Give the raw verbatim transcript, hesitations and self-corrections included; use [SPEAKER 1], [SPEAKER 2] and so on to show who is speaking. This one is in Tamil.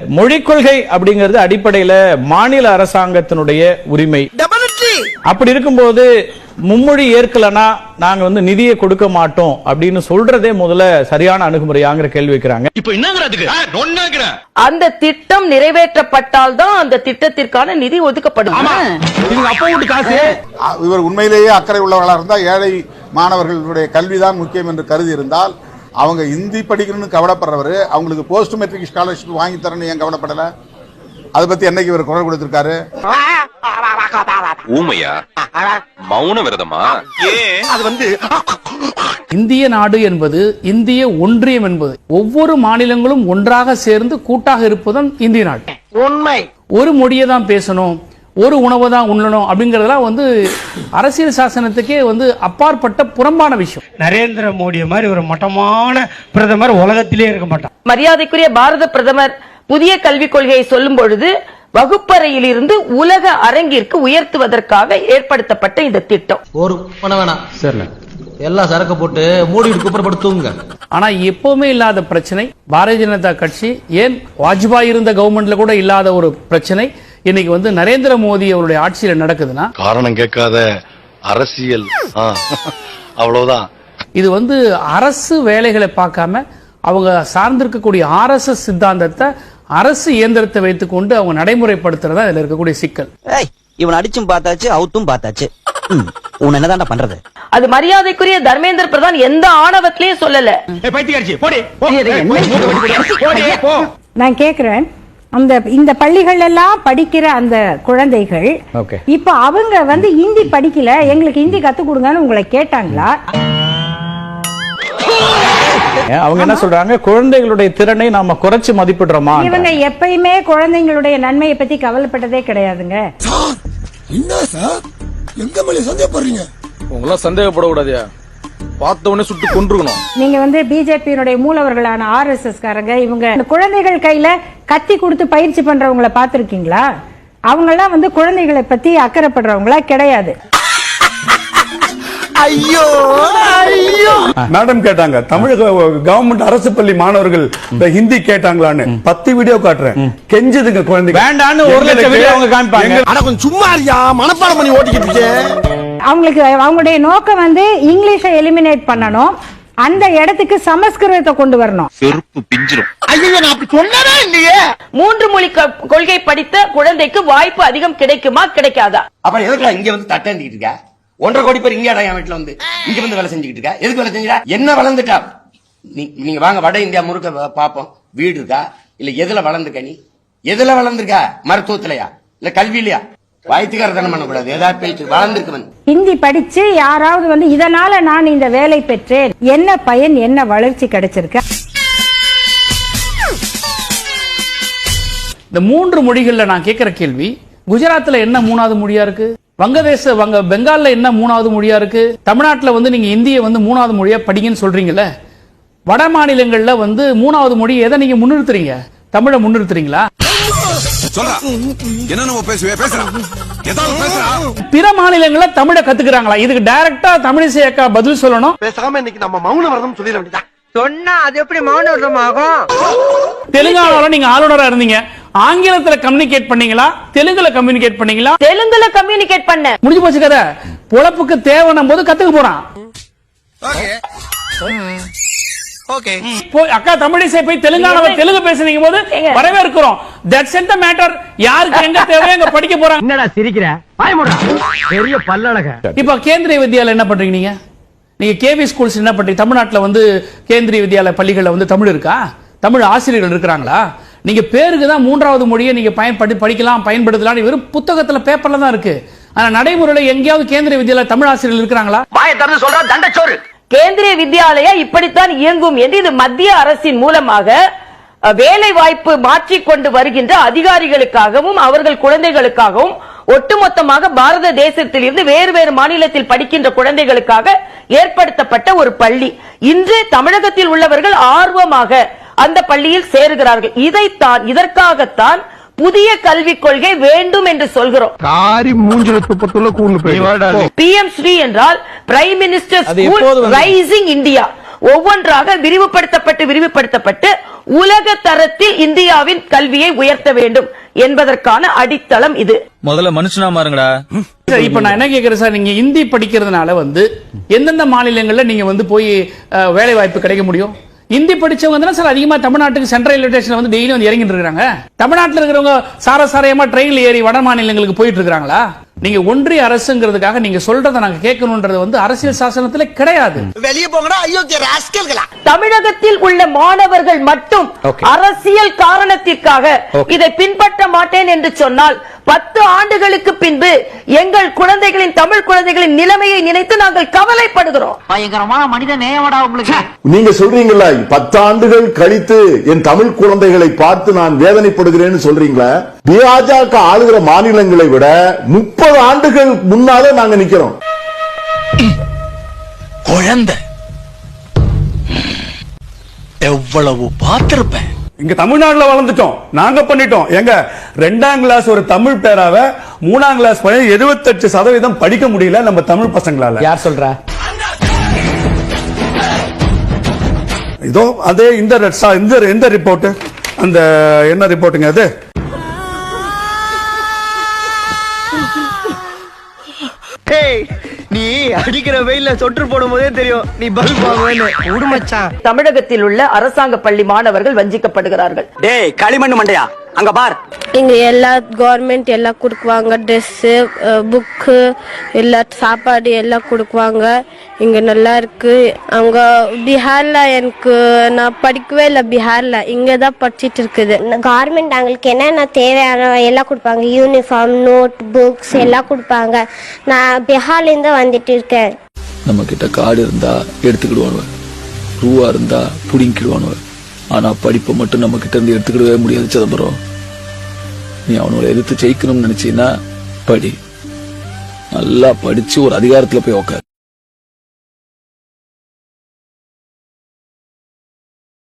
[SPEAKER 1] மொழிக் கொள்கை அப்படிங்கிறது அடிப்படையில மாநில அரசாங்கத்தினுடைய உரிமை. அப்படி இருக்கும்போது மும்மொழி ஏற்கலனா நாங்க வந்து நிதியை கொடுக்க மாட்டோம் அப்படின்னு சொல்றதே முதல்ல சரியான அணுகுமுறையாங்கிற கேள்வி வைக்கிறாங்க.
[SPEAKER 2] இப்போ என்னங்கறதுக்கு
[SPEAKER 3] அந்த திட்டம் நிறைவேற்றப்பட்டால் தான் அந்த திட்டத்திற்கான நிதி ஒதுக்கப்படும்.
[SPEAKER 4] இவர் உண்மையிலேயே அக்கறை உள்ளவர்களாக இருந்தால் ஏழை மாணவர்களுடைய கல்விதான் முக்கியம் என்று கருதி இருந்தால் அவங்க இந்தி படிக்கணும்னு கவலைப்படுறவர் அவங்களுக்கு போஸ்ட் மெட்ரிக் ஸ்காலர்ஷிப் வாங்கி தரணும் ஏன் கவலைப்படல? அதை பத்தி என்னைக்கு இவர் குரல் கொடுத்திருக்காரு?
[SPEAKER 2] ஊமையா மௌன விரதமா? அது வந்து
[SPEAKER 5] இந்திய நாடு என்பது இந்திய ஒன்றியம் என்பது ஒவ்வொரு மாநிலங்களும் ஒன்றாக சேர்ந்து கூட்டாக இருப்பதும் இந்திய நாடு.
[SPEAKER 3] உண்மை.
[SPEAKER 5] ஒரு மொழியை தான் பேசணும், ஒரு உணவை தான் உண்ணணும் அப்படிங்கறதெல்லாம் வந்து அரசியல் சாசனத்துக்கே வந்து அப்பாற்பட்ட புறம்பான விஷயம்.
[SPEAKER 6] நரேந்திர மோடி மாதிரி ஒரு மட்டமான பிரதமர் உலகத்திலே இருக்க மாட்டார்.
[SPEAKER 3] மரியாதைக்குரிய பாரத பிரதமர் புதிய கல்விக் கொள்கையை சொல்லும் பொழுது வகுப்பறையில் இருந்து உலக அரங்கிற்கு உயர்த்துவதற்காக ஏற்படுத்தப்பட்ட இந்த திட்டம்.
[SPEAKER 7] ஒரு பண்ண வேணாம் சார், எல்லா சரக்கு போட்டு மூடி குப்பரப்படுத்துங்க.
[SPEAKER 5] ஆனா எப்பவுமே இல்லாத பிரச்சனை பாரதிய ஜனதா கட்சி, ஏன் வாஜ்பாய் இருந்த கவர்மெண்ட்ல கூட இல்லாத ஒரு பிரச்சனை இன்னைக்கு வந்து நரேந்திர மோடி அவருடைய ஆட்சியில நடக்குதுன்னா
[SPEAKER 2] காரணம் கேட்காத அரசியல். அவ்வளவுதான்.
[SPEAKER 5] இது வந்து அரசு வேலைகளை பார்க்காம அவங்க சார்ந்திருக்கக்கூடிய ஆர் எஸ் எஸ் சித்தாந்தத்தை அரசு இயந்திரத்தை வைத்துக் கொண்டு அவங்க நடைமுறைப்படுத்துறதா இதுல இருக்கக்கூடிய சிக்கல்.
[SPEAKER 7] இவன் அடிச்சும் பார்த்தாச்சு, அவுத்தும் பார்த்தாச்சு, உன் என்னதான்டா பண்றது?
[SPEAKER 3] அது மரியாதைக்குரிய தர்மேந்திர பிரதான் எந்த ஆணவத்திலையும் சொல்லல.
[SPEAKER 8] நான் கேக்குறேன், அந்த இந்த பள்ளிகள் எல்லாம் படிக்கிற அந்த குழந்தைகள் இப்ப அவங்க வந்து ஹிந்தி படிக்கல, எங்களுக்கு ஹிந்தி கத்து கொடுங்கன்னு உங்களை கேட்டாங்களா?
[SPEAKER 1] அவங்க என்ன சொல்றாங்க, குழந்தைகளுடைய திறனை நாம குறைச்சு மதிப்பிடுறோமா?
[SPEAKER 8] இவங்க எப்பயுமே குழந்தைங்களுடைய நன்மையை பத்தி கவலைப்பட்டதே கிடையாதுங்க.
[SPEAKER 9] என்ன சார் எங்க மேல சந்தேகப்படுறீங்க?
[SPEAKER 10] உங்கள சந்தேகப்படக்கூடாதியா, பார்த்த உடனே சுட்டு கொன்றுக்கணும்.
[SPEAKER 8] நீங்க வந்து பிஜேபியினுடைய மூலவர்களான ஆர் எஸ் எஸ் காரங்க இவங்க குழந்தைகள் கையில கத்தி கொடுத்து பயிற்சி பண்றவங்களை பாத்திருக்கீங்களா? அவங்க எல்லாம் வந்து குழந்தைகளை பத்தி அக்கறைப்படுறவங்களா கிடையாது.
[SPEAKER 9] ஐயோ ஐயோ
[SPEAKER 11] மேடம் கேட்டாங்க, தமிழக கவர்மெண்ட் அரசு பள்ளி மாணவர்கள் ஹிந்தி கேட்டாங்களான்னு. பத்து வீடியோ காட்டுறேன், கெஞ்சுதுங்க குழந்தைங்க வேண்டான்னு ஒரு லட்சம் வீடியோ அவங்க காமிப்பாங்க.
[SPEAKER 9] அட கொஞ்சம் சும்மா இருயா, மனப்பாடம் பண்ணி ஓட்டிக்கிட்டு இருக்கே.
[SPEAKER 8] அவங்களுக்கு அவங்களுடைய நோக்கம் வந்து இங்கிலீஷை எலிமினேட் பண்ணணும், அந்த இடத்துக்கு சமஸ்கிருதத்தை கொண்டு வரணும்.
[SPEAKER 2] செருப்பு பிஞ்சிரும்.
[SPEAKER 9] ஐயோ நான் அப்படி சொன்னதே இல்லையே.
[SPEAKER 3] மூன்று மொழி கொள்கை படித்த குழந்தைக்கு வாய்ப்பு அதிகம் கிடைக்குமா கிடைக்காதா?
[SPEAKER 7] அப்புறம் எதுக்குலாம் இங்க வந்து தட்டேண்டிட்டு இருக்க? ஒன்றரை கோடி பேர் இங்க என் வீட்டுல வந்து இங்க வந்து வேலை செஞ்சுக்கிட்டு இருக்கா. எதுக்கு வேலை செஞ்சா? என்ன வளர்ந்துட்டா? நீங்க வாங்க வட இந்தியா முழுக்க பாப்போம். வீடு இருக்கா? இல்ல எதுல வளர்ந்துருக்க? நீ எதுல வளர்ந்துருக்க? மருத்துவத்திலயா இல்ல கல்வியிலயா? வாய்த்துக்காரத்தனம் பண்ணக்கூடாது. ஏதாவது பேச்சு வளர்ந்துருக்கவன்
[SPEAKER 8] ஹிந்தி படிச்சு யாராவது வந்து இதனால நான் இந்த வேலை பெற்றேன், என்ன பயன், என்ன வளர்ச்சி கிடைச்சிருக்க?
[SPEAKER 5] இந்த மூன்று மொழிகள்ல நான் கேட்கிற கேள்வி, குஜராத்ல என்ன மூணாவது மொழியா இருக்கு? வங்கதேச வங்க பெங்கால்ல என்ன மூணாவது மொழியா இருக்கு? தமிழ்நாட்டில் வந்து நீங்க இந்தியை வந்து மூணாவது மொழியா படிங்கன்னு சொல்றீங்கல்ல, வட மாநிலங்கள்ல வந்து மூணாவது மொழி எதை நீங்க முன்னிறுத்துறீங்க? தமிழை முன்னிறுத்துறீங்களா? பிற மாநிலங்கள தமிழை கத்துக்கிறாங்களா? இதுக்கு டைரக்டா தமிழிசை அக்கா பதில் சொல்லணும்.
[SPEAKER 9] பேசாம இன்னைக்கு நம்ம மௌன விரதம் சொல்லிட வேண்டியதா?
[SPEAKER 3] சொன்னா அது எப்படி மௌன விரதம் ஆகும்?
[SPEAKER 5] தெலுங்கானால நீங்க ஆளுநரா இருந்தீங்க, ஆங்கிலத்துல கம்யூனிகேட் பண்ணீங்களா, தெலுங்குல கம்யூனிகேட் பண்ணீங்களா?
[SPEAKER 3] தெலுங்குல கம்யூனிகேட் பண்ண.
[SPEAKER 5] முடிஞ்சு போச்சு கதை. பொழப்புக்கு தேவைன்னும் போது கத்துக்க போறான். அக்கா தமிழிசை போய் தெலுங்கானாவை தெலுங்கு பேசுறீங்க போது வரவேற்கிறோம். That's end the matter. யாருக்கு எங்க தேவையோ அங்க படிக்க போறாங்க.
[SPEAKER 6] என்னடா சிரிக்கிற? வாய் மூடுடா. பெரிய பல்லழக.
[SPEAKER 5] இப்ப கேந்திரிய வித்யாலயா என்ன பண்றீங்க நீங்க? நீங்க கேவி ஸ்கூல்ஸ் என்ன பண்றீங்க? தமிழ்நாட்டில் வந்து கேந்திரிய வித்யாலய பள்ளிகள்ல வந்து தமிழ் இருக்கா? தமிழ் ஆசிரியர்கள் இருக்கிறாங்களா? நீங்க பேருக்கு தான் மூன்றாவது மொழியை நீங்க பயன்படுத்தி படிக்கலாம், பயன்படுத்தலாம், வெறும் புத்தகத்துல பேப்பர்ல தான் இருக்கு. ஆனா நடைமுறையில எங்கேயாவது கேந்திரிய வித்யாலய தமிழ் ஆசிரியர்கள் இருக்கிறாங்களா?
[SPEAKER 7] வாயை திறந்து சொல்றா தண்டச்சோறு.
[SPEAKER 3] கேந்திரிய வித்யாலயா இப்படித்தான் இயங்கும் என்று இது மத்திய அரசின் மூலமாக வேலை வாய்ப்பு மாற்றிக்கொண்டு வருகின்ற அதிகாரிகளுக்காகவும் அவர்கள் குழந்தைகளுக்காகவும் ஒட்டுமொத்தமாக பாரத தேசத்தில் இருந்து வேறு வேறு மாநிலத்தில் படிக்கின்ற குழந்தைகளுக்காக ஏற்படுத்தப்பட்ட ஒரு பள்ளி. இன்று தமிழகத்தில் உள்ளவர்கள் ஆர்வமாக அந்த பள்ளியில் சேருகிறார்கள். இதைத்தான் இதற்காகத்தான் புதிய கல்விக் கொள்கை வேண்டும் என்று சொல்கிறோம். பி எம் ஸ்ரீ என்றால் prime minister school rising India. ஒவ்வொன்றாக விரிவுபடுத்தப்பட்டு விரிவுபடுத்தப்பட்டு உலக தரத்தில் இந்தியாவின் கல்வியை உயர்த்த வேண்டும் என்பதற்கான அடித்தளம் இது.
[SPEAKER 10] முதல்ல மனுஷனா மாறுங்கடா.
[SPEAKER 5] இப்ப நான் என்ன கேக்குறேன் சார், நீங்க இந்தி படிக்கிறதுனால வந்து எந்தெந்த மாநிலங்கள்ல நீங்க வந்து போய் அஹ், வேலை வாய்ப்பு கிடைக்க முடியும்? இந்தி படிச்சவங்க தான் சார் அதிகமா தமிழ்நாட்டுக்கு சென்ட்ரல் ரயில்வே ஸ்டேஷன்ல வந்து டெய்லி வந்து இறங்கிட்டு இருக்காங்க. தமிழ்நாட்டில் இருக்கிறவங்க சார சாரையமா ட்ரெயின்ல ஏறி வட மாநிலங்களுக்கு போயிட்டு இருக்காங்களா? நீங்க ஒன்றிய அரசுங்கிறதுக்காக நீங்க சொல்றதை நாங்க கேட்கணும்ன்றது வந்து அரசியல் சாசனத்துல கிடையாது.
[SPEAKER 9] வெளியே போங்கடா அயோக்கிய ராஸ்கல்களா.
[SPEAKER 3] தமிழகத்தில் உள்ள மாணவர்கள் மட்டும் அரசியல் காரணத்திற்காக இதை பின்பற்ற மாட்டேன் என்று சொன்னால் பத்து ஆண்டுகளுக்கு பின்பு எங்கள் குழந்தைகளின் தமிழ் குழந்தைகளின் நிலைமையை நினைத்து நாங்கள் கவலைப்படுகிறோம்.
[SPEAKER 12] பயங்கரமான மனித நேயமடா உங்களுக்கு.
[SPEAKER 13] நீங்க சொல்றீங்களா பத்தாண்டுகள் கழித்து என் தமிழ் குழந்தைகளை பார்த்து நான் வேதனைப்படுகிறேன்னு சொல்றீங்களா? பாஜக ஆளுகிற மாநிலங்களை விட முப்பது ஆண்டுகள் முன்னாலே நாங்க நிக்கிறோம்.
[SPEAKER 9] குழந்தை எவ்வளவு பார்த்திருப்பேன்.
[SPEAKER 11] இங்க தமிழ்நாட்டுல வளர்ந்துட்டோம், நாங்க பண்ணிட்டோம். எங்க ரெண்டாம் கிளாஸ் ஒரு தமிழ் பேராவை மூணாம் கிளாஸ் பையன் எழுபத்தெட்டு சதவீதம் படிக்க முடியல நம்ம தமிழ் பசங்களால.
[SPEAKER 1] யார் சொல்றா?
[SPEAKER 11] இதோ அதே இந்த இந்த இந்த ரிப்போர்ட், அந்த என்ன ரிப்போர்ட்டுங்க அது?
[SPEAKER 9] நீ அடிக்கிற வெயில்ல சொட்டு போடும் போதே தெரியும் நீ பல்ப் வாங்குவேன்னு.
[SPEAKER 12] உடுமச்சான்.
[SPEAKER 3] தமிழகத்தில் உள்ள அரசாங்க பள்ளி மாணவர்கள் வஞ்சிக்கப்படுகிறார்கள்.
[SPEAKER 12] டேய் களிமண் மண்டையா, அங்க பார்.
[SPEAKER 14] இங்க எல்லா கவர்மெண்ட் எல்லாம் கொடுக்குவாங்க, ட்ரெஸ்ஸு, புக்கு, எல்லா சாப்பாடு எல்லாம் கொடுக்குவாங்க. இங்க நல்லா இருக்கு. அங்க பீகார்ல எனக்கு நான் படிக்கவே இல்லை. பீகார்ல இங்க தான் படிச்சிட்டு இருக்குது.
[SPEAKER 15] கவர்மெண்ட் அவங்களுக்கு என்னென்ன தேவையான எல்லாம் கொடுப்பாங்க. யூனிஃபார்ம், நோட் புக்ஸ் எல்லாம் கொடுப்பாங்க. நான் பீகார்ல இருந்து வந்துட்டு இருக்கேன்.
[SPEAKER 10] நம்ம கிட்ட காடு இருந்தா எடுத்துக்கிடுவானுவ, ரூவா இருந்தா புடிங்கிடுவானுவ. ஆனா படிப்பை மட்டும் நம்ம கிட்ட இருந்து எடுத்துக்கிடவே முடியாது சிதம்பரம். நீ அவனோட எதிர்த்து ஜெயிக்கணும்னு நினைச்சீன்னா படி, நல்லா படிச்சு ஒரு அதிகாரத்துல போய் உட்கார்.